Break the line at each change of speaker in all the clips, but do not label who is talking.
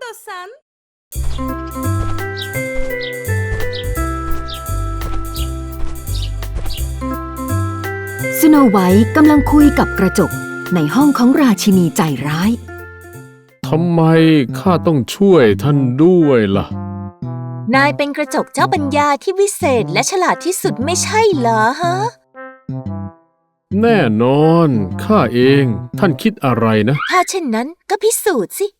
istiyorsan.
สโนไวท์กำลังคุยกับกระจกในห้องของราชินีใจร้าย
ทำไมข้าต้องช่วยท่านด้วยล่ะ
นายเป็นกระจกเจ้าปัญญาที่วิเศษและฉลาดที่สุดไม่ใช่เหรอฮะ
แน่นอนข้าเองท่านคิดอะไรนะ
ถ้าเช่นนั้นก็พิสูจน์สิ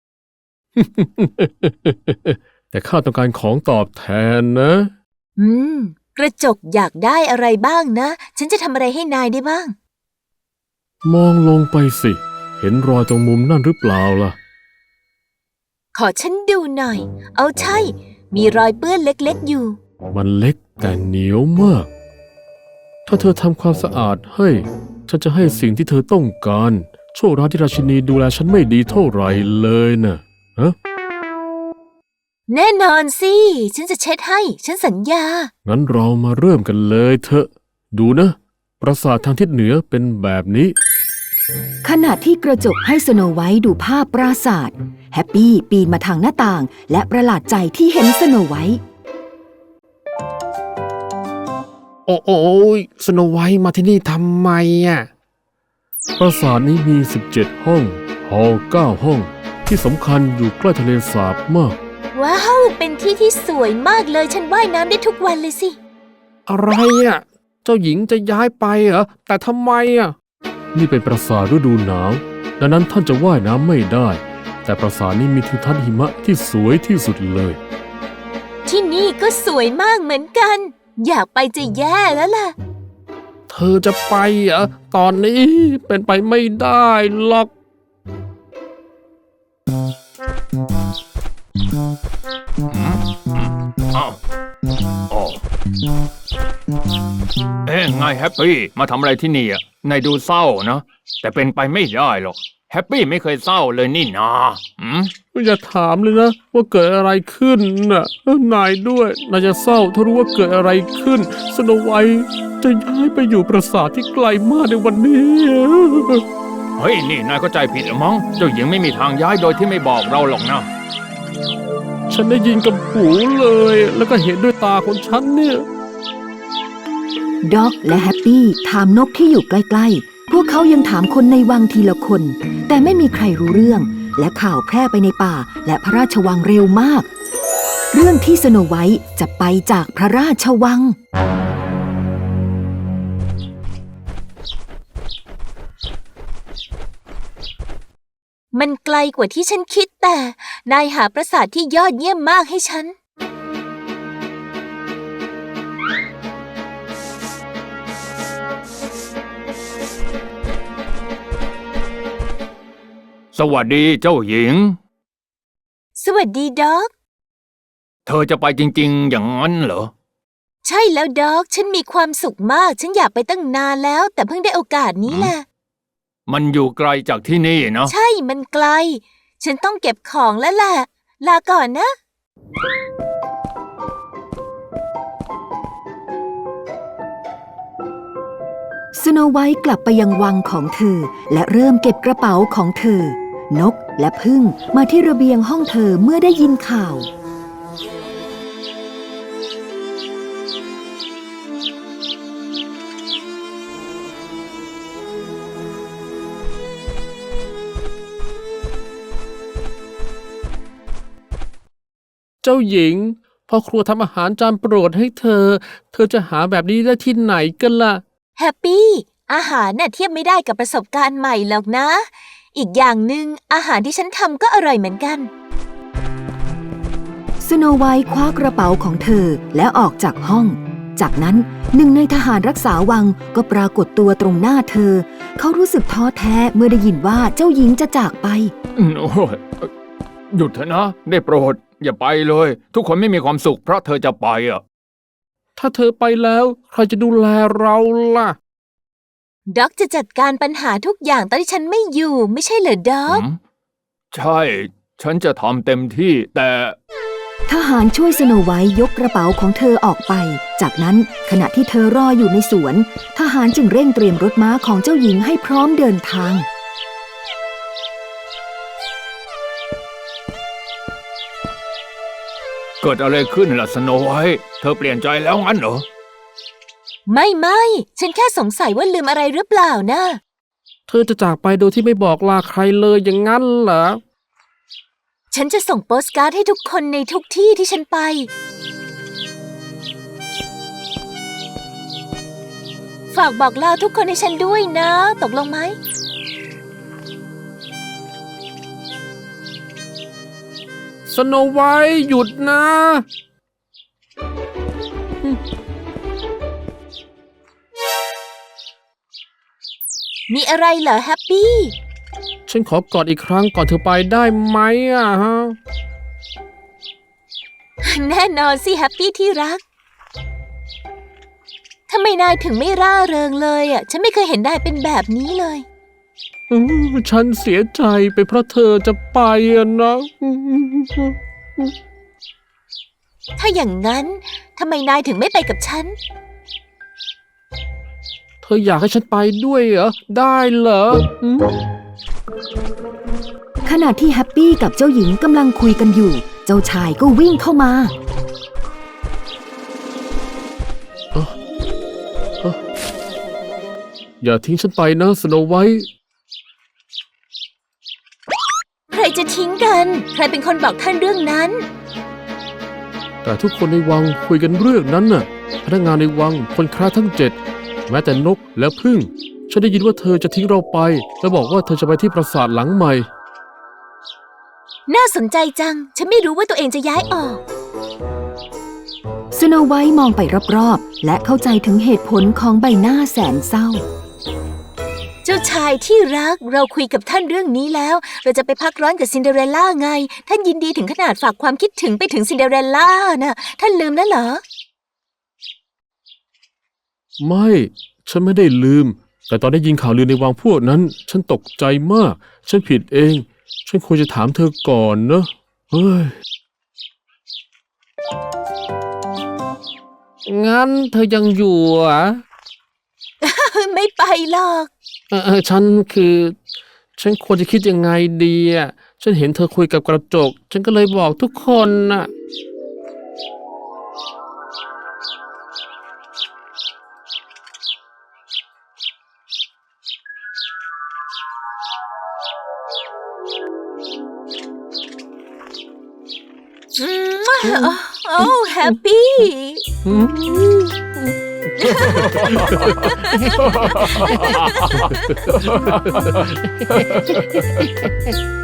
แต่ข้าต้องการของตอบแทนนะ
กระจกอยากได้อะไรบ้างนะ ฉันจะทำอะไรให้นายได้บ้าง
มองลงไปสิ เห็นรอยตรงมุมนั่นหรือเปล่าล่ะ
ขอฉันดูหน่อย เอาใช่ มีรอยเปื้อนเล็กๆอยู่
มันเล็กแต่เหนียวมาก ถ้าเธอทำความสะอาดให้ ฉันจะให้สิ่งที่เธอต้องการ โชคร้ายที่ราชินีดูแลฉันไม่ดีเท่าไหร่เลยนะฮะ
แน่นอนสิ ฉันจะเช็ดให้ ฉันสัญญา
งั้นเรามาเริ่มกันเลยเถอะ ดูนะ ปราสาททางทิศเหนือเป็นแบบนี้
ขณะที่กระจกให้สโนไวท์ดูภาพปราสาทแฮปปี้ปีนมาทางหน้าต่างและประหลาดใจที่เห็นสโนไวท์
โอ้ยสโนไวท์มาที่นี่ทำไมอ่ะ
ปราสาทนี้มี 17 ห้องหอ9 ห้อง ที่สำคัญอยู่ใกล้ทะเลสาบมาก
ว้าว เป็นที่ที่สวยมากเลย ฉันว่ายน้ำได้ทุกวันเลยสิ
อะไรอ่ะ เจ้าหญิงจะย้ายไปเหรอ แต่ทำไมอ่ะ
นี่เป็นปราสาทฤดูหนาว ดังนั้นท่านจะว่ายน้ำไม่ได้ แต่ปราสาทนี้มีทิวทัศน์หิมะที่สวยที่สุดเลย
ที่นี่ก็สวยมากเหมือนกัน อยากไปจะแย่แล้วล่ะ
เธอจะไปเหรอ ตอนนี้เป็นไปไม่ได้หรอก
ไงแฮปปี้มาทำอะไรที่นี่อ่ะนายดูเศร้านะแต่เป็นไปไม่ได้หรอกแฮปปี้ไม่เคยเศร้าเลยนี่นา
อย่าถามเลยนะว่าเกิดอะไรขึ้นน่ะนายด้วยนายจะเศร้าถ้ารู้ว่าเกิดอะไรขึ้นสโนไวท์จะย้ายไปอยู่ปราสาทที่ไกลมากในวันนี้
เฮ้ยนี่นายก็ใจผิดหรือมั้งเจ้าหญิงไม่มีทางย้ายโดยที่ไม่บอกเราหรอกนะ
ฉันได้ยินกับหูเลยแล้วก็เห็นด้วยตาของฉันเนี่ย
ด็อกและแฮปปี้ถามนกที่อยู่ใกล้ๆ พวกเขายังถามคนในวังทีละคน แต่ไม่มีใครรู้เรื่อง และข่าวแพร่ไปในป่าและพระราชวังเร็วมาก เรื่องที่สโนไวท์จะไปจากพระราชวัง
มันไกลกว่าที่ฉันคิดแต่ นายหาปราสาทที่ยอดเยี่ยมมากให้ฉัน
สวัสดีเจ้าหญิง
สวัสดีด็อก
เธอจะไปจริงๆอย่างนั้นเหรอ
ใช่แล้วด็อก ฉันมีความสุขมาก ฉันอยากไปตั้งนานแล้ว แต่เพิ่งได้โอกาสนี้แหละ
มันอยู่ไกลจากที่นี่เนาะ
ใช่ มันไกล ฉันต้องเก็บของแล้วแหละ ลาก่อนนะ
สโนไวท์กลับไปยังวังของเธอและเริ่มเก็บกระเป๋าของเธอ นกและผึ้งมาที่ระเบียงห้องเธอเมื่อได้ยินข่าว
เจ้าหญิงพ่อครัวทำอาหารจานโปรดให้เธอ เธอจะหาแบบนี้ได้ที่ไหนกันล่ะ
แฮปปี้ อาหารน่ะเทียบไม่ได้กับประสบการณ์ใหม่หรอกนะ อีกอย่างหนึ่งอาหารที่ฉันทำก็อร่อยเหมือนกัน
สโนไวท์คว้ากระเป๋าของเธอแล้วออกจากห้อง จากนั้นหนึ่งในทหารรักษาวังก็ปรากฏตัวตรงหน้าเธอ เขารู้สึกท้อแท้เมื่อได้ยินว่าเจ้าหญิงจะจากไป
โอ้ยหยุดเถอะนะ ได้โปรด อย่าไปเลย ทุกคนไม่มีความสุขเพราะเธอจะไปอ่ะ
ถ้าเธอไปแล้วใครจะดูแลเราล่ะ
ด็อกจะจัดการปัญหาทุกอย่างตอนที่ฉันไม่อยู่ ไม่ใช่เหรอด็อก
ใช่ ฉันจะทำเต็มที่แต่
ทหารช่วยสโนไวท์ยกกระเป๋าของเธอออกไป จากนั้นขณะที่เธอรออยู่ในสวน ทหารจึงเร่งเตรียมรถม้าของเจ้าหญิงให้พร้อมเดินทาง
เกิดอะไรขึ้นล่ะสโนไวท์เธอเปลี่ยนใจแล้วงั้นเหรอ
ไม่ฉันแค่สงสัยว่าลืมอะไรหรือเปล่านะ
เธอจะจากไปโดยที่ไม่บอกลาใครเลยอย่างนั้นเหรอ
ฉันจะส่งโปสการ์ดให้ทุกคนในทุกที่ที่ฉันไป ฝากบอกลาทุกคนให้ฉันด้วยนะ ตกลงไหม
สโนไวท์หยุดนะ
มีอะไรเหรอแฮปปี้
ฉันขอกอดอีกครั้งก่อนเธอไปได้ไหมอะฮะ
แน่นอนสิแฮปปี้ที่รัก ทำไมนายถึงไม่ร่าเริงเลยอ่ะ ฉันไม่เคยเห็นนายเป็นแบบนี้เลย
ฉันเสียใจไปเพราะเธอจะไปอะนะ
ถ้าอย่างนั้นทำไมนายถึงไม่ไปกับฉัน
เธออยากให้ฉันไปด้วยเหรอ ได้เหรอ
ขณะที่แฮปปี้กับเจ้าหญิงกำลังคุยกันอยู่ เจ้าชายก็วิ่งเข้ามา
อย่าทิ้งฉันไปนะสโนไวท์
ใครจะทิ้งกัน ใครเป็นคนบอกท่านเรื่องนั้น
แต่ทุกคนในวังคุยกันเรื่องนั้นน่ะ พนักงานในวังคนค้าทั้ง7 แม้แต่นกและผึ้งฉันได้ยินว่าเธอจะทิ้งเราไป แล้วบอกว่าเธอจะไปที่ปราสาทหลังใหม่
น่าสนใจจัง ฉันไม่รู้ว่าตัวเองจะย้ายออก
สโนไวท์มองไปรอบๆ และเข้าใจถึงเหตุผลของใบหน้าแสนเศร้า
เจ้าชายที่รักเราคุยกับท่านเรื่องนี้แล้ว เราจะไปพักร้อนกับซินเดอเรลล่าไง ท่านยินดีถึงขนาดฝากความคิดถึงไปถึงซินเดอเรลล่านะท่านลืมแล้วเหรอ
ไม่ ฉันไม่ได้ลืม แต่ตอนได้ยินข่าวลือในวังพวกนั้น ฉันตกใจมาก ฉันผิดเอง ฉันควรจะถามเธอก่อนนะ เฮ้ย
งั้นเธอยังอยู่เหรอ
ไม่ไปหรอก
ฉันควรจะคิดยังไงดีอ่ะ ฉันเห็นเธอคุยกับกระจก ฉันก็เลยบอกทุกคนน่ะ
โอ้แฮปปี้
เ